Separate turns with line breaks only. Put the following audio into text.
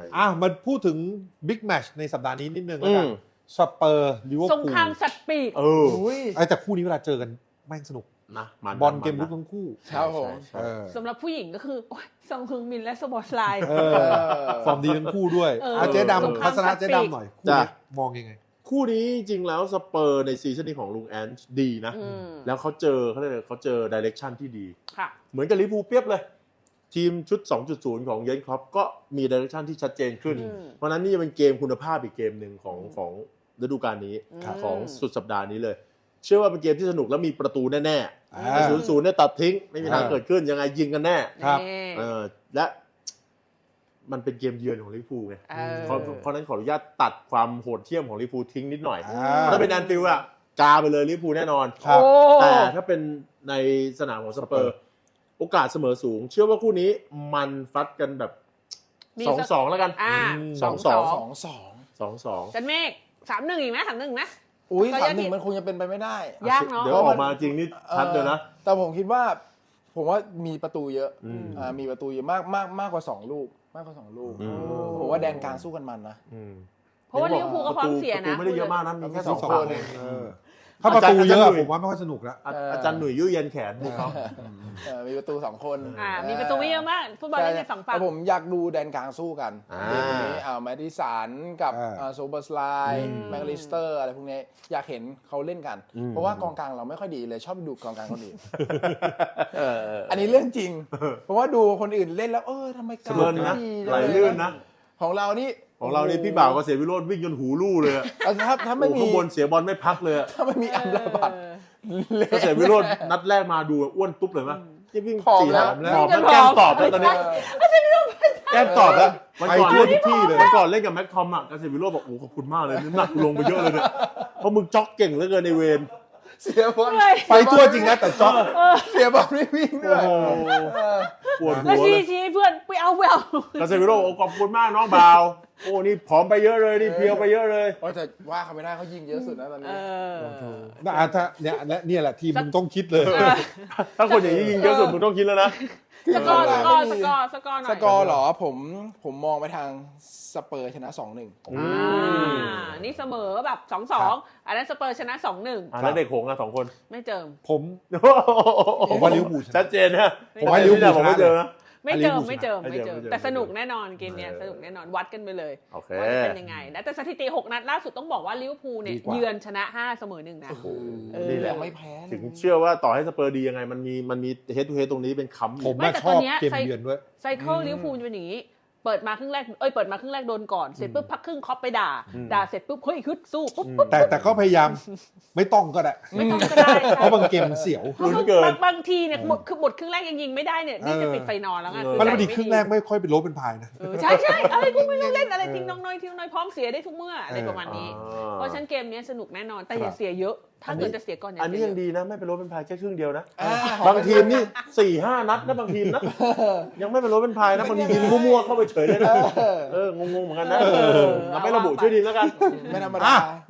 มาพูดถึงบิ๊กแมตช์ในสัปดาห์นี้นิดนึงแล้วกันสเปอร์ลิเวอร์พูล
สงครามสัตว์ปีก
แต่คู่นี้เวลาเจอกันแม่งสนุก
นะ
บอลเกมลุกทั้งคู่
ครับผม
สำหรับผู้หญิงก็คือซองฮึงมินและสปอร์ตไลน์
ฟอร์มดีทั้งคู่ด้วยเจ๊ดำพัฒนาเจ๊ดำหน่อยคู่นี้มองยังไง
คู่นี้จริงแล้วสเปอร์ในซีซั่นนี้ของลุงแอนช์ดีนะแล้วเขาเจอดิเรกชันที่ดีเหมือนกับลิเวอร์พูลเปรียบเลยทีมชุด 2.0 ของเยนคล็อปก็มีดิเรกชันที่ชัดเจนขึ้นเพราะนั้นนี่เป็นเกมคุณภาพอีกเกมหนึ่งของฤดูกาลนี้ของสุดสัปดาห์นี้เลยเชื่อว่าเป็นเกมที่สนุกแล้วมีประตูแน่ๆแต่ 0-0 เนี่ยตัดทิ้งไม่มีทางเกิดขึ้นยังไงยิงกันแน่และมันเป็นเกมเยือนของลิเวอร์พูลไงเพราะนั้นขออนุญาตตัดความโหดเหี้ยมของลิเวอร์พูลทิ้งนิดหน่อยถ้าเป็นแอนฟิลด์อะกาไปเลยลิเวอร์พูลแน่นอนแต่ถ้าเป็นในสนามของสเปอร์โอกาสเสมอสูงเชื่อว่าคู่นี้มันฟัดกันแบบ 2-2 แล้วกัน 2-2
จันเมฆ 3-1 อีกไหม 3-1 นะ
อุ้ย 3-1 มันคงจะเป็นไปไม่ได้
ยากเนาะ
เดี๋ยวออกมาจริงนี่ชัดเลยนะ
แต่ผมคิดว่ามีประตูเยอะมีประตูเยอะมากกว่า2ลูกผมว่าแดนกลางสู้กันมันนะ
เพราะว่าลิเวอร์พูลก็พร้อมเสียนะ
ไม่ได้เยอะมากนะมีแค่2 คน
ถ้าประตูเยอะผมว่าไม่ค่อยสนุกแล้ว
อาจารย์หนุ่ยยุ่ยเย็นแขนดูเขา
มีประตู2 คน
มีประตูไม่เยอะมากฟุตบอลเล่นใน2ฝั่ง
ผมอยากดูแดนกลางสู้กันวันนี้แมดิสันกับโซเบอร์สไลน์แมคลิสเตอร์อะไรพวกนี้อยากเห็นเขาเล่นกันเพราะว่ากองกลางเราไม่ค่อยดีเลยชอบดูกองกลางคนอื่นอันนี้เรื่องจริงเพราะว่าดูคนอื่นเล่นแล้วทำไมกลาง
ไม่ดีไหลลื่นนะ
ของเรานี่
พี่บ่าวก็เสียวิโรจน์วิ่งจนหูลู่เลย
ถ้าไม่มี
ข้างบนเสียบอลไม่พักเลย
ถ้าไม่มีอัมราบัต
ก็เสียวิโรจน์นัดแรกมาดูอ้วนตุ๊บเลยมั้ยที่วิ่ง4แล้วหอมแล้วแก้มตอบแล้วตอนนี้แก้มตอบแล้ว
มันก่อนเล่นทุกที่เลย
มันก่อนเล่นกับแม็กทอมอ่ะก็เสียวิโรจน์บอกโอ้ขอบคุณมากเลยน้ำหนักลงไปเยอะเลยเนี่ยเพราะมึงจ็อกเก่งเหลือเกินในเวร
เสียบอล
ไปทั่วจริงนะแต่จ็อก
เสียบอลไม่วิ่งด้วย
ปวดหัว
แล้วชี้เพื่อนไปเอา
ก็เสียวิโรจน์ขอบคุณมากน้องบ่าวโอ้นี่ผอมไปเยอะเลยนี่เพียวไปเยอะเลย
แต่ว่าเขาไม่ได้เขายิงเยอะสุดนะตอนนี้
ถ้าเนี่ยแหละทีมมึงต้องคิดเลย
ถ้าคนอย่างนี้ยิงเยอะสุดมึงต้องคิดแล้วนะ
สกอร์หน่อย
สกอร์เหรอผมมองไปทางสเปอร์ชนะ 2-1
นี่เสมอแบบ2-2อันนั้นสเปอร์ชนะ 2-1
แล้วเด็กหงส์2 คน
ไม่เจิม
ผมว่าลิเวอร์พูล
ชัดเจนนะ
ผมว่าลิเวอร์พูล
ไม่เจอนะ
ไม่เจิมแต่สนุกแน่นอนเกมนี้สนุกแน่นอนวัดกันไปเลยว่าจะเป็นยังไงนะแต่สถิติ6 นัดล่าสุดต้องบอกว่าลิเวอร์พูลเนี่ยเยือนชนะ5เสมอ1นะ
นี่แหละ
ไม่แพ้
ถึงเชื่อว่าต่อให้สเปอร์ดียังไงมันมีเฮดทูเฮดตรงนี้เป็นค้ำ
ผมไม่ชอบเกมเยือนด้วย
ไซเคิลลิเวอร์พูลเป็นอย่างนี้เปิดมาครึ่งแรกโดนก่อนเสร็จปุ๊บพักครึ่งคอปไปด่าเสร็จปุ๊บเฮ้ยฮึดสู้ปุ๊บ
แต่ก็พยายามไม่ต้องก็ได้เพราะบางเกมมันเสียว
บางทีเนี่ยคือหมดครึ่งแรกยังยิงไม่ได้เนี่ยนี่จะปิดไฟนอนแล้วไง
มันพอดีครึ่งแรกไม่ค่อยเป็นโลเป็นพายนะ
ใช่อะไรกูไม่ต้องเล่นอะไรทิ้งน้อยพร้อมเสียได้ทุกเมื่ออะไรประมาณนี้เพราะฉะนั้นเกมนี้สนุกแน่นอนแต่อย่าเสียเยอะถ้าเกิดจะเสียก่อน
อันนี้ยังดีนะไม่เป็นโลเป็นพายแค่ครึ่งเดียวนะบางทีมนี่ 4-5 นัดนะบางทีมนะยังไม่เป็นโลเป็นพายนะบางทียิงมั่วๆเข้าไปเฉยเลยนะงงๆเหมือนกันนะเราไม่ระบุชื่อทีมแล้วกัน
ไม่ธรรมดา